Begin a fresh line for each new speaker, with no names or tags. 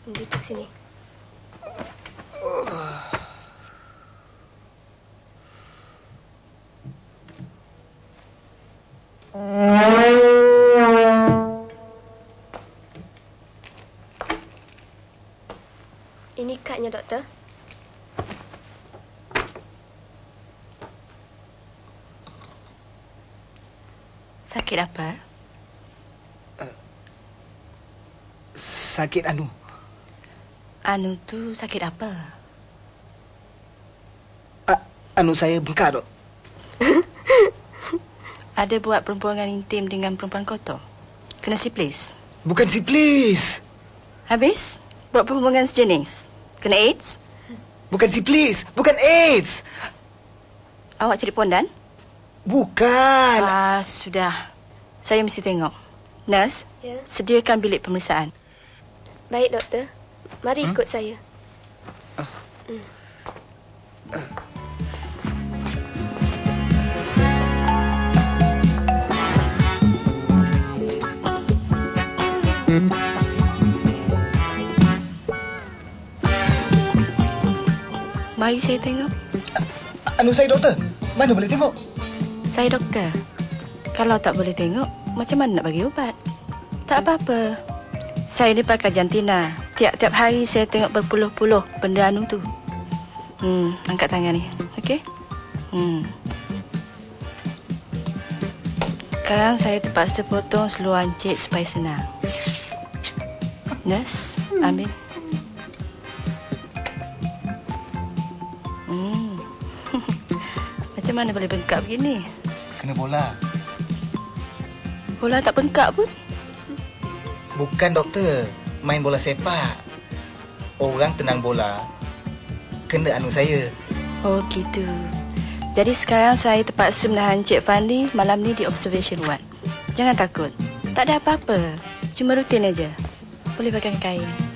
Duduk sini. Ini kadnya, doktor.
Sakit apa?
Sakit anu.
Anu tu sakit apa?
Anu saya bengkak, dok.
Ada buat perhubungan intim dengan perempuan kotor? Kena siplis?
Bukan siplis.
Habis? Buat perhubungan sejenis? Kena AIDS?
Bukan siplis. Bukan AIDS.
Awak cari pondan?
Bukan.
Sudah. Saya mesti tengok. Nurse,
Ya.
sediakan bilik pemeriksaan.
Baik, doktor. Mari ikut saya.
Mari saya tengok.
Anu saya, doktor. Mana boleh tengok?
Saya doktor. Kalau tak boleh tengok, macam mana nak bagi ubat? Tak apa-apa. Saya ni pakai jantina. Tiap-tiap hari saya tengok berpuluh-puluh benda anu tu. Angkat tangan ni. Okey? Sekarang saya terpaksa potong seluar encik supaya senang. Nurse, ambil. Macam mana boleh bengkak begini?
Kena bola.
Bola tak bengkak pun.
Bukan, doktor. Main bola sepak. Orang tenang bola. Kena anu saya.
Oh, gitu. Jadi sekarang saya terpaksa menahan Encik Fandi malam ni di observation ward. Jangan takut. Tak ada apa-apa. Cuma rutin aja. Boleh pakai kain.